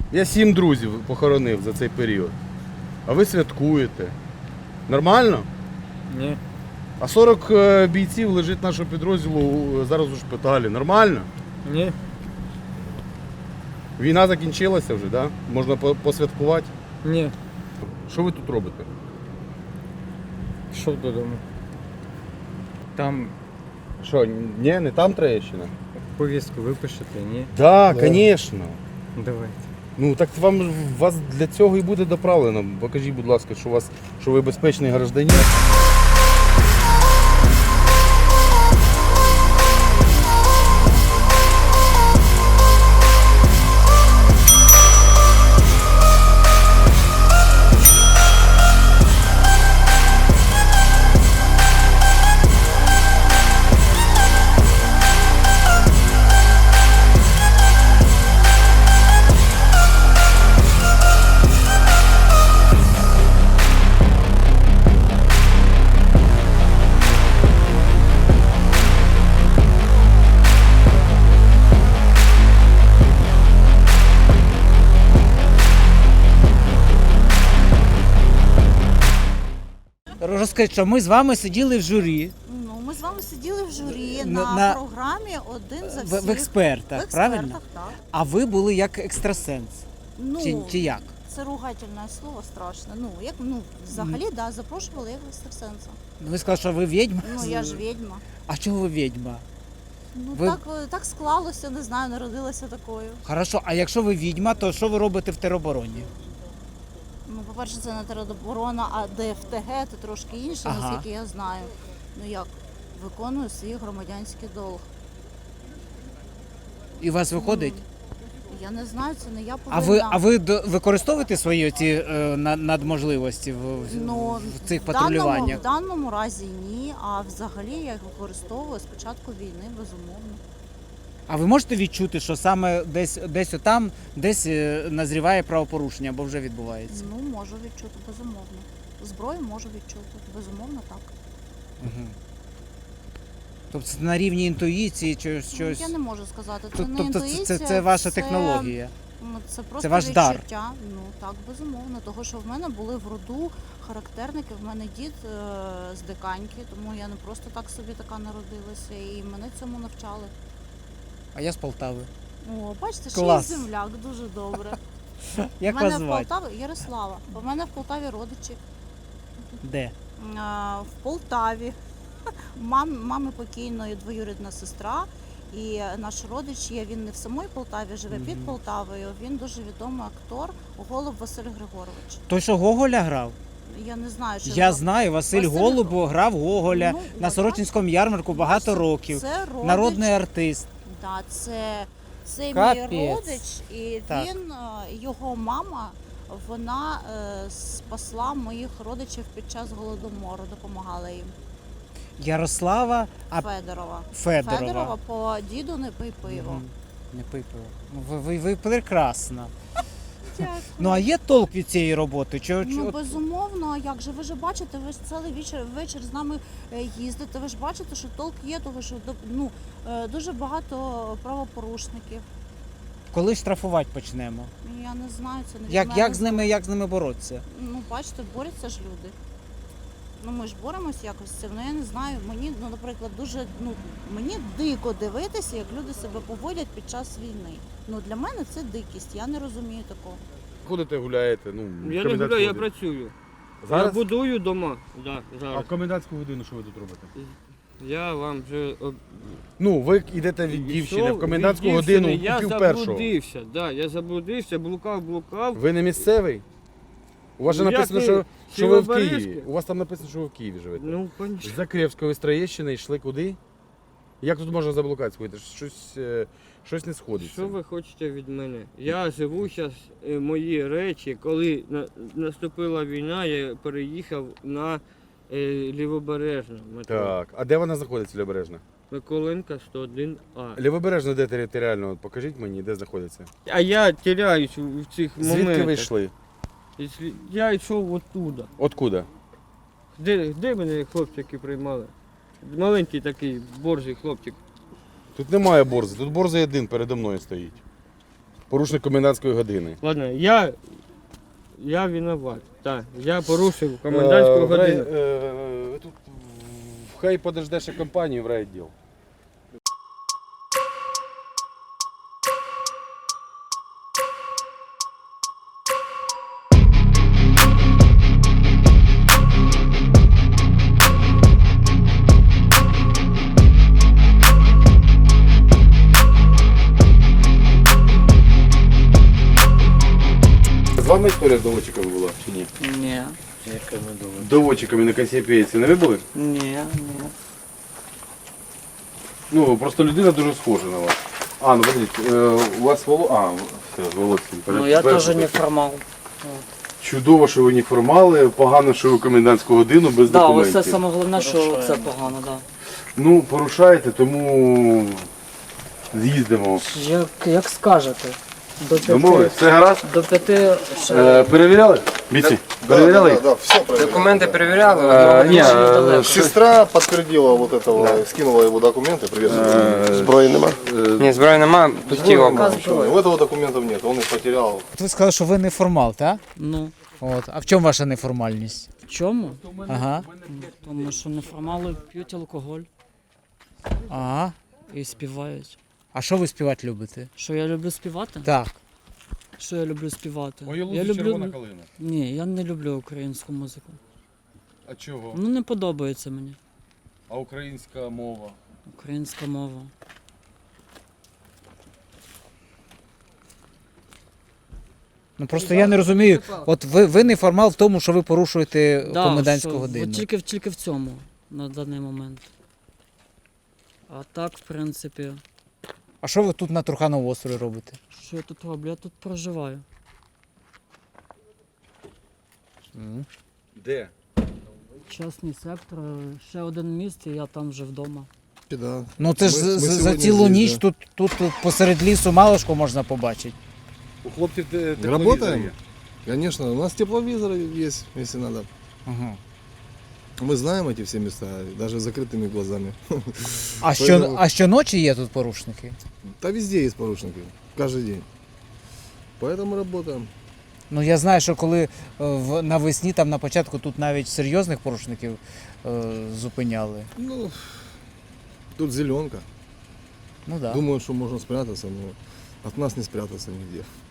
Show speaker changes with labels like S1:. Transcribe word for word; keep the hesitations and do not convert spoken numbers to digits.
S1: Я сім друзів похоронив за цей період. А ви святкуєте. Нормально?
S2: Ні.
S1: А сорок бійців лежить нашого підрозділу зараз у шпиталі. Нормально?
S2: Ні.
S1: Війна закінчилася вже, да? Можна посвяткувати?
S2: Ні.
S1: Що ви тут робите?
S2: Пішов додому. Там
S1: Що, ні, не там Троєщина?
S2: повістку випишете, ні?
S1: Так,
S2: Да.
S1: звісно.
S2: Давайте.
S1: Ну так вам вас для цього і буде доправлено. Покажіть, будь ласка, що у вас, що ви безпечний гражданин.
S3: Розкажіть, що ми з вами сиділи в журі,
S4: Ну, ми з вами сиділи в журі
S3: На-
S4: на,
S3: на-
S4: програмі «Один за
S3: в,
S4: всіх».
S3: в експертах,
S4: В
S3: правильно?
S4: експертах, так.
S3: А ви були як екстрасенс.
S4: Ну,
S3: Чи, чи як?
S4: це ругательне слово страшне. Ну, як, ну, взагалі, так, да, запрошували як екстрасенса.
S3: Ви сказали, що ви відьма?
S4: Ну, я ж відьма.
S3: А чого ви відьма?
S4: Ну,
S3: Ви-
S4: так, е, так склалося, не знаю, народилася такою.
S3: Хорошо, а якщо ви відьма, то що ви робите в теробороні?
S4: Ну, по-перше, це не тероборона, а ДФТГ, це трошки інше,
S3: Ага.
S4: наскільки я знаю. Ну, як, виконую свій громадянський долг.
S3: І у вас виходить?
S4: Я не знаю, це не я
S3: А
S4: повинна.
S3: ви, а ви до- використовуєте свої ці е, на- надможливості в, в-
S4: Ну,
S3: в цих
S4: в даному,
S3: патрулюваннях?
S4: в даному разі ні, а взагалі я їх використовую з початку війни, безумовно.
S3: А ви можете відчути, що саме десь десь отам, десь е, назріває правопорушення або вже відбувається?
S4: Ну, можу відчути, безумовно. Зброю можу відчути, безумовно, так.
S3: Угу. Тобто це на рівні інтуїції чи щось?
S4: Ну, я не можу сказати, це
S3: Тоб-
S4: не
S3: Тобто
S4: інтуїція,
S3: це, це ваша
S4: це,
S3: технологія.
S4: ну, Це просто
S3: Це ваш дар.
S4: відчуття. Ну, так, безумовно. Того, що в мене були в роду характерники, в мене дід е- з Диканьки, тому я не просто так собі така народилася, і мене цьому навчали.
S3: А я з Полтави.
S4: О, бачите, ще й
S3: Клас.
S4: земляк, дуже добре.
S3: Як
S4: У мене
S3: вас
S4: в
S3: звати?
S4: Полтаві Ярослава. У мене в Полтаві родичі.
S3: Де?
S4: А, в Полтаві. Мам, мами покійної двоюрідна сестра. І наш родич є, він не в самій Полтаві, живе
S3: Мгм.
S4: під Полтавою. Він дуже відомий актор, Голуб Василь Григорович.
S3: Той, що Гоголя грав?
S4: Я не знаю, що
S3: Я
S4: його-
S3: знаю, Василь
S4: Василь-
S3: Голуб грав Гоголя
S4: Ну,
S3: на
S4: от,
S3: Сорочинському ярмарку багато
S4: Бачите,
S3: років.
S4: Це родич.
S3: Народний артист.
S4: Да, це, це
S3: Капець.
S4: мій родич, і
S3: Так.
S4: він, е, його мама, вона е, спасла моїх родичів під час голодомору, допомагала їм.
S3: Ярослава а
S4: Федорова.
S3: Федорова.
S4: Федорова по діду не пий пиво.
S3: Мгм. Не пий пиво. Ну, ви, ви, ви прекрасна.
S4: Дякую.
S3: Ну а є толк від цієї роботи? Чи, чи-
S4: Ну,
S3: от-
S4: безумовно, як же ви ж бачите, ви ж цілий вечір, вечір з нами е, їздите, ви ж бачите, що толк є, того що до- ну, е, дуже багато правопорушників.
S3: коли штрафувати почнемо?
S4: Я не знаю, це не від
S3: Як,
S4: мене.
S3: як, з ними, як з ними боротися?
S4: Ну, бачите, борються ж люди. Ну, ми ж боремось якось з цим. Ну, я не знаю, мені, ну, наприклад, дуже, ну, мені дико дивитися, як люди себе поводять під час війни. Ну, для мене це дикість, я не розумію такого.
S1: Ходите, гуляєте, ну, в
S2: Я не
S1: комендантську
S2: гуляю, я
S1: годину.
S2: працюю.
S1: Зараз?
S2: Я будую дома. Да,
S1: А
S2: зараз.
S1: в комендантську годину що ви тут робите?
S2: Я вам вже об-
S1: Ну, ви йдете від
S2: Пішов
S1: дівчини в комендантську
S2: від
S1: годину
S2: дівчини, я
S1: купів першого.
S2: заблудився, да, я заблудився, блукав, блукав.
S1: Ви не місцевий? У вас же
S2: Ну,
S1: написано,
S2: як
S1: що,
S2: ви?
S1: що ви в
S2: Кіровоградське?
S1: Києві. У вас там написано, що ви в Києві живете.
S2: Ну, пані.
S1: З Закревської, з Троєщини йшли куди? Як тут можна заблукати сходити? Щось, е, щось не сходиться.
S2: Що ви хочете від мене? Я живу зараз, мої речі, коли на- наступила війна, я переїхав на е, Лівобережне метро.
S1: Так, а де вона знаходиться, Лівобережна?
S2: Миколенка сто один А.
S1: Лівобережна де територіально? От покажіть мені, де знаходиться.
S2: А я теряюсь у- в цих моментах.
S1: Звідки ви йшли?
S2: Якщо- Я йшов оттуда.
S1: Откуда?
S2: Де, де мене хлопчики приймали? Маленький такий борзий хлопчик.
S1: Тут немає борзи, тут борзий один передо мною стоїть. порушник комендантської години.
S2: Ладно, я, я виноват. Так, я порушив комендантську
S1: Е, в рай-
S2: годину.
S1: е, тут в- Хай подождеш і компанію в райвідділ. З вами історія з доводчиками була чи ні?
S5: Ні.
S1: Доводчиками на Касіопейці не ви були?
S5: Ні, ні.
S1: Ну, просто людина дуже схожа на вас. А, ну подивіться, е, у вас воло... А, все, з Володьким.
S5: Ну я теж не формал.
S1: Чудово, що ви не формали, погано, що ви комендантську годину без
S5: Да,
S1: документів.
S5: ось це саме головне, що це погано, да.
S1: Ну, порушаєте, тому з'їздимо.
S5: Як, як скажете. До
S1: Домовились?
S5: п'яти,
S1: Все гаразд?
S5: до п'яти ще
S1: Е, перевіряли? Бійці, перевіряли?
S6: Да, да, все проверяли.
S7: Документи перевіряли?
S1: Е, ні,
S5: Дуже
S1: е,
S5: далеко.
S6: Сестра подтвердила вот этого, скинула его документы, привет. Зброї нема?
S7: Ні, зброї нема, пусті оба.
S6: У этого документов нет, он их потерял.
S3: Ви сказали, що ви неформал, так?
S5: Ну,
S3: От. А в чому ваша неформальність?
S5: в чому?
S3: Ага.
S5: Тому що неформали п'ють алкоголь
S3: Ага.
S5: і співають.
S3: А що ви співати любите?
S5: Що я люблю співати?
S3: Так.
S5: Що я люблю співати?
S1: Ой,
S5: я
S1: лузі
S5: люблю...
S1: червона калина.
S5: Ні, я не люблю українську музику.
S1: А чого?
S5: Ну не подобається мені
S1: А українська мова?
S5: українська мова.
S3: Ну просто я не розумію. От ви, ви неформал в тому, що ви порушуєте комендантську
S5: що,
S3: годину.
S5: От тільки, тільки в цьому на даний момент. А так, в принципі,
S3: А що ви тут на Трухановому острові робите?
S5: що я тут роблю? Я тут проживаю.
S1: Де?
S5: Частний сектор, ще один міст, і я там вже вдома.
S6: Да.
S3: Ну це ж
S6: Ми-
S3: за-
S6: ми
S3: за
S6: сьогодні
S3: цілу
S6: здесь,
S3: ніч
S6: да.
S3: тут, тут, тут посеред лісу малишко можна побачити.
S1: У хлопців те- тепловізор
S6: Работаем?
S1: є.
S6: Конечно, у нас тепловизоры есть, если надо.
S3: Ага.
S6: Мы знаем эти все места, даже с закрытыми глазами.
S3: А, що,
S6: Поэтому-
S3: а щоночі є тут порушники?
S6: Да везде есть поручники, каждый день. Поэтому работаем.
S3: Ну я знаю, що коли е, в, навесні, там на початку тут навіть серйозних порушників е, зупиняли.
S6: Ну, тут зеленка.
S3: Ну так. Да.
S6: Думаю, что можно спрятаться, но от нас не спрятаться нигде.